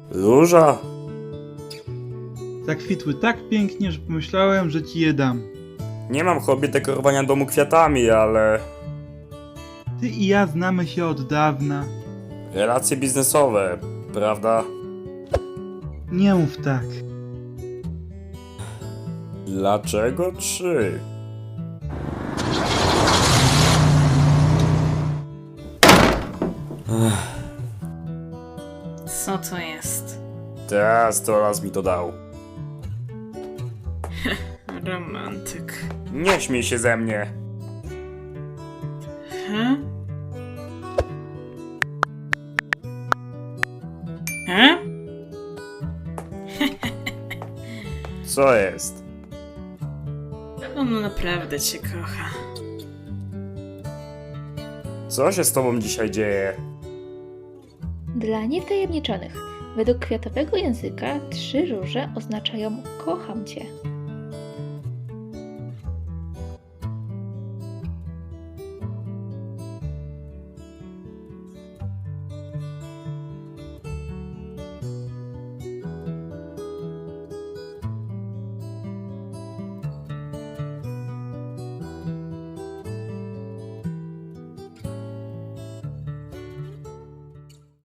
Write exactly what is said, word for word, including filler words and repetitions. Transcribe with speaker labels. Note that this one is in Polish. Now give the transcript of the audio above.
Speaker 1: Róża?
Speaker 2: Zakwitły tak pięknie, że pomyślałem, że ci je dam.
Speaker 1: Nie mam hobby dekorowania domu kwiatami, ale...
Speaker 2: Ty i ja znamy się od dawna.
Speaker 1: Relacje biznesowe, prawda?
Speaker 2: Nie mów tak.
Speaker 1: Dlaczego trzy?
Speaker 3: Co to jest?
Speaker 1: Teraz to raz mi to dał.
Speaker 3: Romantyk.
Speaker 1: Nie śmiej się ze mnie.
Speaker 3: He? He?
Speaker 1: Co jest?
Speaker 3: On naprawdę cię kocha.
Speaker 1: Co się z tobą dzisiaj dzieje?
Speaker 4: Dla niewtajemniczonych, według kwiatowego języka trzy róże oznaczają kocham cię.